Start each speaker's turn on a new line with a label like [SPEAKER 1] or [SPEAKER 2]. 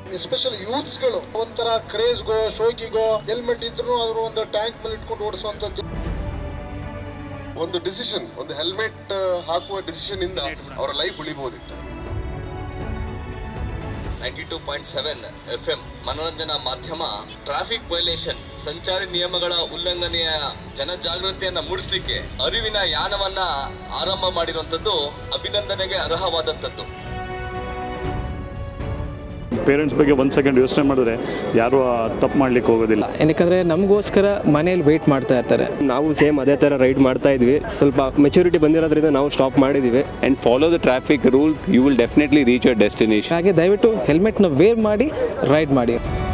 [SPEAKER 1] Especially ಯೂತ್ಸ್ಗಳು ಒಂಥರ ಕ್ರೇಜ್ಗೋ ಶೋಕಿಗೋ helmet ಇದ್ರೂ ಅವರು ಒಂದು ಟ್ಯಾಂಕ್ ಮೇಲೆ ಇಟ್ಕೊಂಡು ಓಡಿಸುವಂಥದ್ದು.
[SPEAKER 2] ಒಂದು ಡಿಸಿಷನ್, ಒಂದು ಹೆಲ್ಮೆಟ್ ಹಾಕುವ ಡಿಸಿಷನ್ ಇಂದ ಅವರ ಲೈಫ್ ಉಳಿಬಹುದಿತ್ತು.
[SPEAKER 3] 92.7 FM ಮನೋರಂಜನಾ ಮಾಧ್ಯಮ ಟ್ರಾಫಿಕ್ ವೈಲೇಷನ್ ಸಂಚಾರಿ ನಿಯಮಗಳ ಉಲ್ಲಂಘನೆಯ ಜನಜಾಗೃತಿಯನ್ನ ಮೂಡಿಸಲಿಕ್ಕೆ ಅರಿವಿನ ಯಾನವನ್ನ ಆರಂಭ ಮಾಡಿರುವಂಥದ್ದು ಅಭಿನಂದನೆಗೆ ಅರ್ಹವಾದಂಥದ್ದು.
[SPEAKER 4] ಪೇರೆಂಟ್ಸ್ ಬಗ್ಗೆ ಒಂದು ಸೆಕೆಂಡ್ ಯೋಚನೆ ಮಾಡಿದ್ರೆ ಯಾರು ತಪ್ಪು ಮಾಡ್ಲಿಕ್ಕೆ ಹೋಗೋದಿಲ್ಲ.
[SPEAKER 5] ಏನಕ್ಕೆ ನಮಗೋಸ್ಕರ ಮನೇಲಿ ವೆಯ್ಟ್ ಮಾಡ್ತಾ ಇರ್ತಾರೆ.
[SPEAKER 6] ನಾವು ಸೇಮ್ ಅದೇ ಥರ ರೈಡ್ ಮಾಡ್ತಾ ಇದ್ವಿ. ಸ್ವಲ್ಪ ಮೆಚುರಿಟಿ ಬಂದಿರೋದ್ರಿಂದ ನಾವು ಸ್ಟಾಪ್ ಮಾಡಿದ್ದೀವಿ.
[SPEAKER 7] And follow the traffic rule, you will definitely reach your destination.
[SPEAKER 5] ಹಾಗೆ ದಯವಿಟ್ಟು ಹೆಲ್ಮೆಟ್ನ ವೇರ್ ಮಾಡಿ ರೈಡ್ ಮಾಡಿ.